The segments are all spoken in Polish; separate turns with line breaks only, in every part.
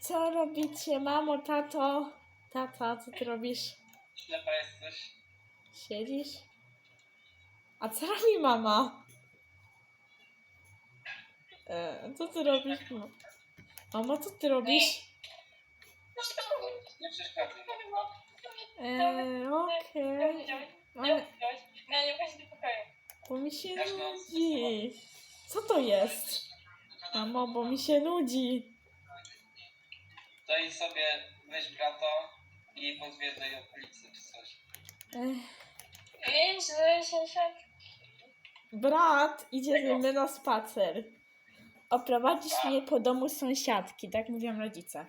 Co robicie, mamo, tato? Tata, co ty robisz?
Ślepa jesteś.
Siedzisz? A co robi mama? Co ty robisz? Mamo, co ty robisz?
Nie przeszkadzaj.
Okej. Ale
Nie chodź do pokoju.
bo mi się
Dasz noc.
nudzi. Co to jest? Mamo, bo mi się nudzi.
Daj sobie, weź brata i pozwiedzaj okolicy czy coś.
Wiesz, że się
Brat idzie ze mną na spacer. Oprowadzisz mnie po domu sąsiadki, tak mówią rodzice.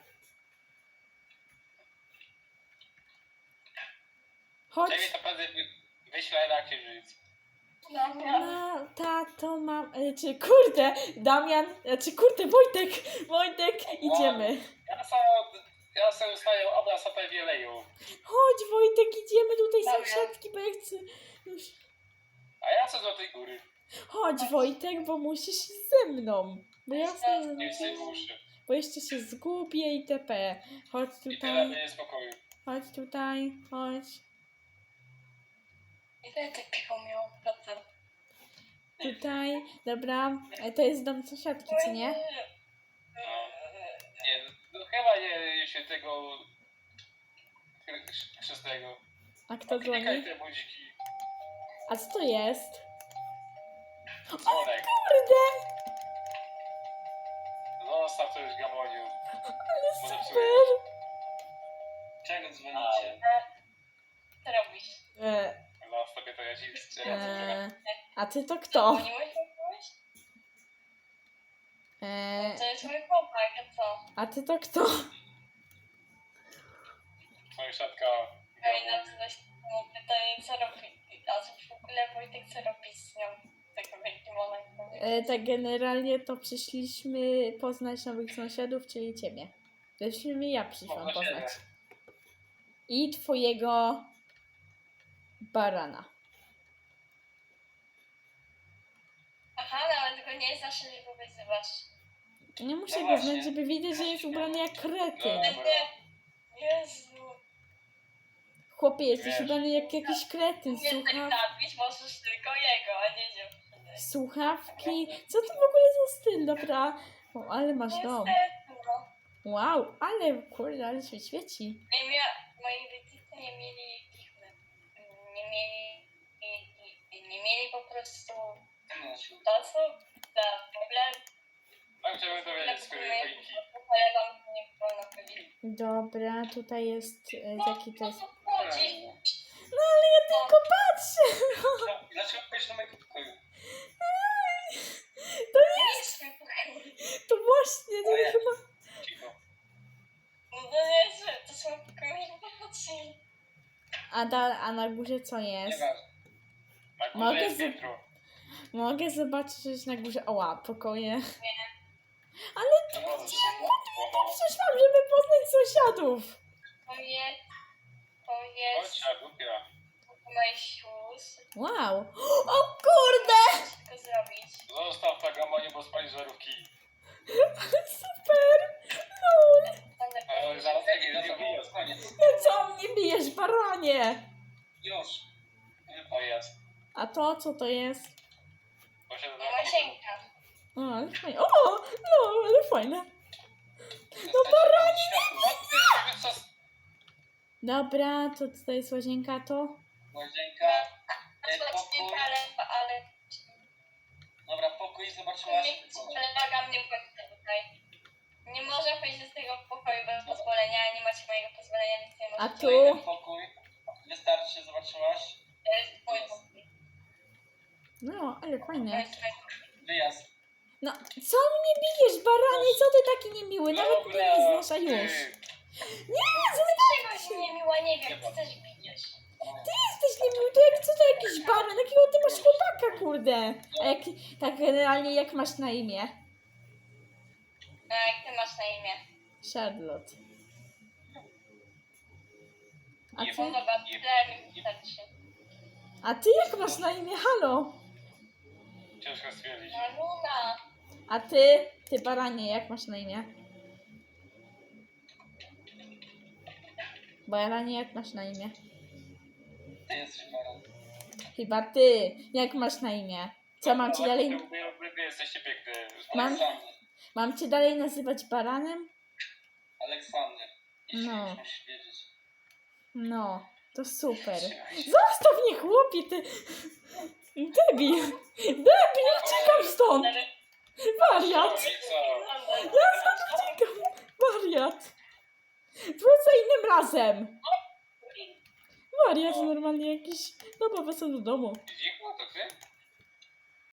Chodź.
Ciebie to pewnie wyślę na księżyc.
No, tato, mam... Czy kurde, Damian, kurde, Wojtek, idziemy.
Ja sobie ustawiam obraz o tej wieleju.
Chodź, Wojtek, idziemy do tej
Damian.
sąsiadki, bo ja chcę... Już.
A ja co do tej góry?
Chodź, Wojtek, bo musisz iść ze mną. Bo ja sobie...
Nie chcę uszy.
Bo jeszcze się zgubię itp. Chodź
I tyle
tutaj,
mnie spokoju.
chodź tutaj, chodź.
Ile ty piwo miał? Procent.
Tutaj, dobra. To jest dom sąsiadki, co nie?
Nie, no chyba nie świętego chrzestnego.
A kto
Klikaj
dzwoni?
te budziki.
A co to jest?
Dzwonek.
Kurde,
Zostaw to już gamoniu.
ale
Może
super.
Czego dzwonicie?
Co robisz?
E,
Sobie to ja ci strzelam.
a ty to kto?
Dzwoniłeś do kogoś? To
E,
jest mój chłopak, a co?
a ty to kto?
Sąsiadka.
Ej, no to coś mu pytanie, co robi? A co w ogóle Wojtek, co robi z nią? Tego wielkim monakiem.
Tak generalnie to przyszliśmy poznać nowych sąsiadów, czyli ciebie. Ja przyszłam poznać. I twojego barana.
Aha, nawet go nie znasz, że go wyzywasz.
Nie muszę
No
go
właśnie.
znać, żeby wiedzieć, że jest ubrany jak kretyn.
No.
Jezu.
Chłopie, jesteś
Wiesz.
ubrany jak jakiś kretyn.
Nie tak napić możesz tylko jego, a nie dziewczyny.
Słuchawki. Co to w ogóle za styl, dobra? O, ale masz dom.
Niestety, no.
Wow, ale kurde, ale się świeci.
Moi rodzice nie mieli pichmy. Nie mieli po prostu czasu na problem.
Ja chciałbym dowiedzieć z której choinki.
Polegam, nie wolno chodzić.
Dobra, tutaj jest... jaki to jest...
Chodzi.
No ale ja tylko patrzę!
Dlaczego pójść do mojego pokoju?
To
Nie jest swój pokój.
To właśnie, to
O ja.
chyba...
Cicho.
No to nie jest, to są pokoje emocji.
A na górze co jest?
Nieważne. Na górze
Mogę
jest
z-
piętro.
Mogę zobaczyć coś na górze. Oła, pokoje.
To może się
Przyszłam, żeby poznać sąsiadów.
To jest
Chodź, a głupia.
moje shoes.
Wow. O kurde!
Wszystko zrobić.
Zostaw tak gamoniu, bo spali żarówki.
Super! Lol.
Ale zaraz nie bijesz, koniec.
No co mnie bijesz, baranie?
Już. O jest.
A to co to jest?
Posiadam
Nie Łazienka.
O, ale fajne. O! No, ale fajne.
No baranie!
Dobra, to tutaj jest łazienka, to?
Łazienka.
Właśnie,
Pokój.
ale
Dobra, pokój zobaczyłaś.
kolega mnie wchodzi tutaj. Nie może wejść z tego pokoju bez pozwolenia, nie macie mojego pozwolenia, więc nie
A
możecie.
tu?
Pokój. Wystarczy, zobaczyłaś.
To jest mój pokój.
No, ale
To
fajne.
jest mój pokój.
Wyjazd.
No, co mnie bijesz, baranie? Co ty taki niemiły? Nawet mnie nie znasz, a już. Nie,
Czegoś niemiła, nie wiem, ty też bijesz.
ty jesteś niemiły, to jak co to jakiś baran? Jakiego ty masz chłopaka, kurde? A jak, tak generalnie jak masz na imię?
A jak ty masz na imię?
Charlotte. A
Nie
ty?
Zobacz, tyle mi wystarczy.
A ty jak masz na imię? Halo?
Ciężko stwierdzić.
No Luna.
A ty? Ty baranie, jak masz na imię? Baranie, jak masz na imię?
Ty jesteś baran.
Chyba ty. Jak masz na imię? Co, mam cię dalej...
Wy jesteście piękny.
Mam-
Aleksander.
Mam cię dalej nazywać baranem?
Aleksander. Jeśli
No.
już musisz wiedzieć.
No, to super.
Trzymaj się.
Zostaw mnie, chłopie, ty... Debil! Debil, uciekam stąd! Wariat!
Co?
Ja stąd uciekam! Wariat! Wrócę innym razem! Wariat normalnie jakiś... Dobra, wrócę do domu.
Dziku, to ty?